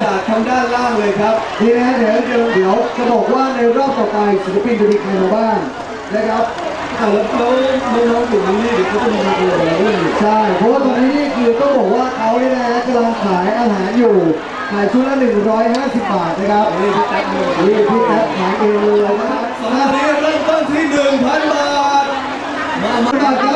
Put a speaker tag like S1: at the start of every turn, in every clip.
S1: จากทางด้านล่างเลยครับ
S2: นี่นะเดี๋ยวจะบอกว่าในรอบต่อไปศิลปินจะมีใครมาบ้างนะครับ
S1: แล้วน้องๆอยู่นี่เดี๋ยวเขาจะมีเรื่องอะไรด้วย
S2: ใช่เพราะว่าตอนนี้นี่คือต้องบอกว่าเขาเนี่ยนะกำลังขายอาหารอยู่ขายชุดละ150 บาทนะครับ
S1: นี่พี่แท็บเลย
S2: นี่พี่แท็บขายเองเลยนะครับ
S1: สองนี้เริ่มต้นที่ 1,000 บาท
S2: มาบาทครับ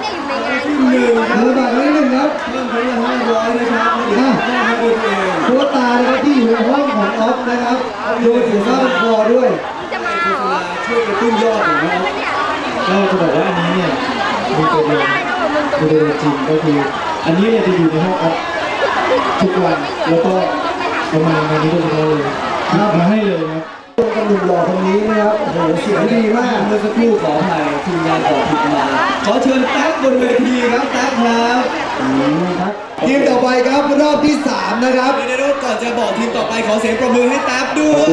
S2: 1,000 บาทนิดนึงครับ
S1: เพิ่มเป็น500นะครับให้คนเอง
S2: ตัวตานะครับที่อยู่ในห้องของออฟนะครับดูถึงหน้าคอด้วย
S1: ช่วยกระตุ้นยอดของเรา
S3: ก็จะบอกว่าอันนี้เนี่ยมีตัวเดียวจริงก็คืออันนี้เนี่ยจะอยู่ในห้องออฟทุกวันแล้วก็ประมาณงานนี้โดยเฉพาะเลยมาให้เลยครับ
S2: ตัวกระหนุ่มหล่อคนนี้นะครับโอ้โหเสียงดีมาก
S1: เมื่อสักครู่ขออภัยทีมงานขอผิดมาขอเชิญแท็บบนเวทีครับแท็บครับ
S2: ทีมต่อไปครับรอบที่3นะครับ
S1: เดี๋ยวก่อนจะบอกทีมต่อไปขอเสียงปรบมือให้แท็บด้วย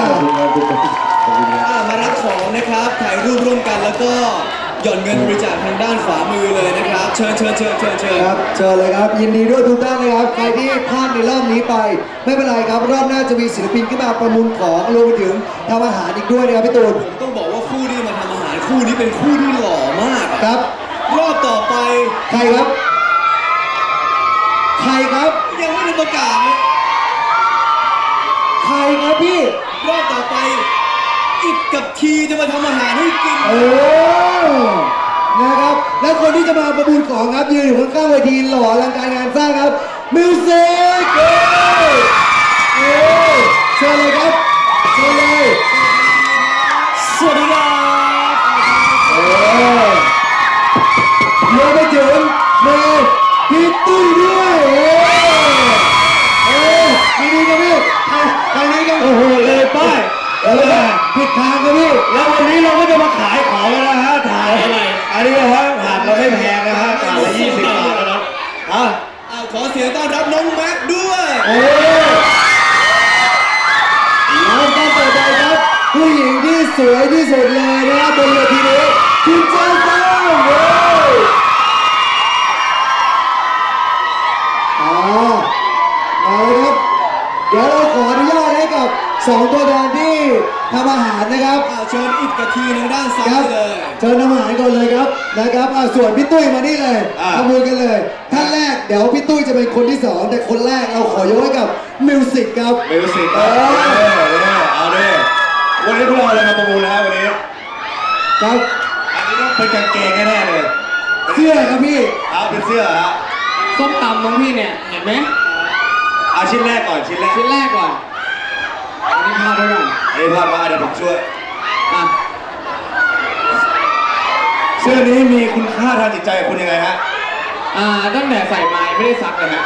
S1: มารับของนะครับถ่ายรูปร่วมกันแล้วก็หย่อนเงินบริจาคทางด้านขวามือเลยนะครับเชิญ
S2: ครับเชิญเลยครับยินดีด้วยทุกท่านนะครับใครที่พลาดในรอบนี้ไปไม่เป็นไรครับรอบหน้าจะมีศิลปินขึ้นมาประมูลของรวมไปถึงทำอาหารอีกด้วยนะครับพี่ตูน
S1: ผมต้องบอกว่าคู่นี้มาทำอาหารคู่นี้เป็นคู่ที่หล่อมาก
S2: ครับ
S1: รอบต่อไป
S2: ใครครับ
S1: ยังไม่ได้ประกาศเลย
S2: ใครครับพี่
S1: รอบต่อไปอิดกับทีจะมาทำอาหารให้กิน
S2: นะครับและคนที่จะมาประมูลของครับยืนอยู่ข้างๆเวทีหล่ออลังการงานสร้างครับมิวสิกเชิญเลยครับเชิญเลย
S1: สวัสดีครับ
S2: รวมไปถึงพี่ตุ้ยด้วยดีกันพี่ทางนี้กัน
S3: โอ้โหเลยป้าย
S2: ผิดทางครับพี่
S3: แล้ววันนี้เราก็จะมาขายของแล้วนะฮะถ่ายอะไรอันนี้นะฮะถ่ายเราไม่แพงนะฮะถ่ายละ20 บาทแล้วนะ
S1: ขอเสียงต้อนรับน้องแม็กด้วย
S2: แล้วก็ต่อไปครับผู้หญิงที่สวยที่สุดเลยนะครับบนเวทีนี้คุณเจ้าฟ้าเอาเลยครับเดี๋ยวเราขออนุญาตให้กับ2ตัวแทนที่ทำอาหารนะครับ
S1: เชิญอิดกับทีทางด้านซ้ายเลย
S2: เชิญทำอาหารก่อนเลยครับนะครับส่วนพี่ตุ้ยมานี่เลยขบวนกันเลยท่านแรกเดี๋ยวพี่ตุ้ยจะเป็นคนที่2แต่คนแรกเราขอยกให้กับมิวสิกครับ
S3: มิวสิกเอาดิวันนี้พวกเราอะไรมาประมูลแล้ววันนี้
S2: ครับ
S3: อันนี้ต้องเป็นกางเกงแน่ๆเลย
S2: เสื้อครับพี่
S3: เป็นเสื้อฮะ
S4: ส้มตำน้องพี่เนี่ยเห็นไหม
S3: ชิ้นแรกก่อน
S4: ชิ้นแรกก่อนอันนี้พลาดด้วยกัน
S3: อันนี้พลาดมาเดี๋ยวผมช่วยเสื้อนี้มีคุณค่าทางจิตใจคุณยังไงฮะ
S4: ตั้งแต่ใส่มาไม่ได้ซักเลยฮะ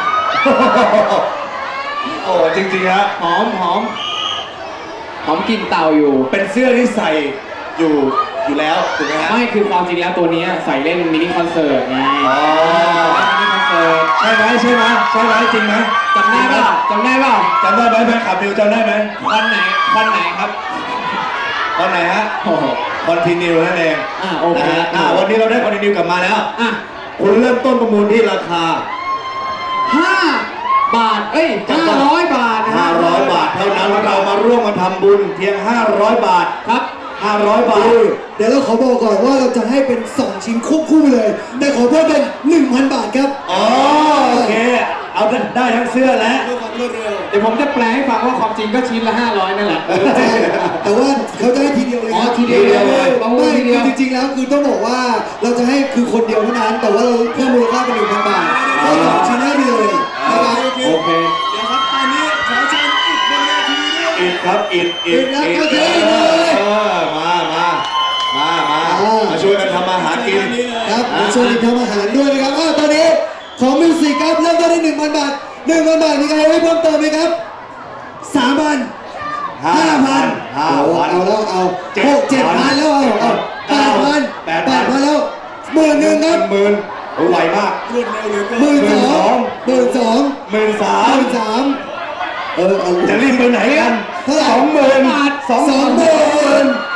S3: โอ้จริงๆฮะ
S4: หอมกลิ่นเต่าอยู่
S3: เป็นเสื้อที่ใส่อยู่แล้วถูกไหมฮะ
S4: ไม่คือความจริงแล้วตัวนี้ใส่เล่นมินิคอนเสิร์ตไงมินิคอนเสิร์ต
S3: ใช่ไหมจริงไหม
S4: จำได้เปล่า
S3: จำได้ไหมแฟนคลับดิวจำได้ไหม
S4: วันไหนครับ
S3: วันไหนฮะคอนติเนียนั่นเอง
S4: โอเค
S3: วันนี้เราได้คอนติเนียกลับมาแล้วคุณเริ่มต้นประมูลที่ราคา
S4: 5 บาท500 บาท
S3: 500 บาทเท่านั้นเรามาร่วมมาทำบุญเพียง500 บาท
S4: ครับ
S3: 500 บาท
S2: เดี๋ยวเราขอบอกก่อนว่าเราจะให้เป็น2ชิ้นควบคู่เลยแต่ขอเพิ่มเป็น 1,000 บาทครับ
S3: โอเคเอาได้ทั้งเสื้อและ
S4: เดี๋ยวผมจะแปลให้ฟังว่าความจริงก็ชิ้นละ500นั่นแหละ
S2: แต่ว่าเขาจะให้ทีเดียวเลย
S4: ทีเดียวเลย
S2: ไม่จริงๆแล้วคือต้องบอกว่าเราจะให้คือคนเดียวเท่านั้นแต่ว่าเราเพิ่มมูลค่าเป็น 1,000 บาทให้2ชิ้นให้ไปเลยนะครับ
S4: โอเค
S1: เดี๋ยวครับตอนนี้ขอเชิญอิดบนเวทีด้วย
S3: อิดครับอิดมาช่วยกันทำอาหารกิน
S2: ครับมาช่วยกันทำอาหารด้วยนะครับตอนนี้ของมิวสิกครับเริ่มต้นที่ 1,000 บาท 1,000 บาทมีใครให้เพิ่มเติมไหมครับ 3,000 5,000เอาแล้วเอา7,000แล้วเอา8,000แล้ว10,000ครับ
S3: 10,000ไวมาก
S1: รวดเร็วเลยก็
S2: 12,000
S3: จะรีบไปไหนกัน
S2: เท่าไหร่
S3: 20,000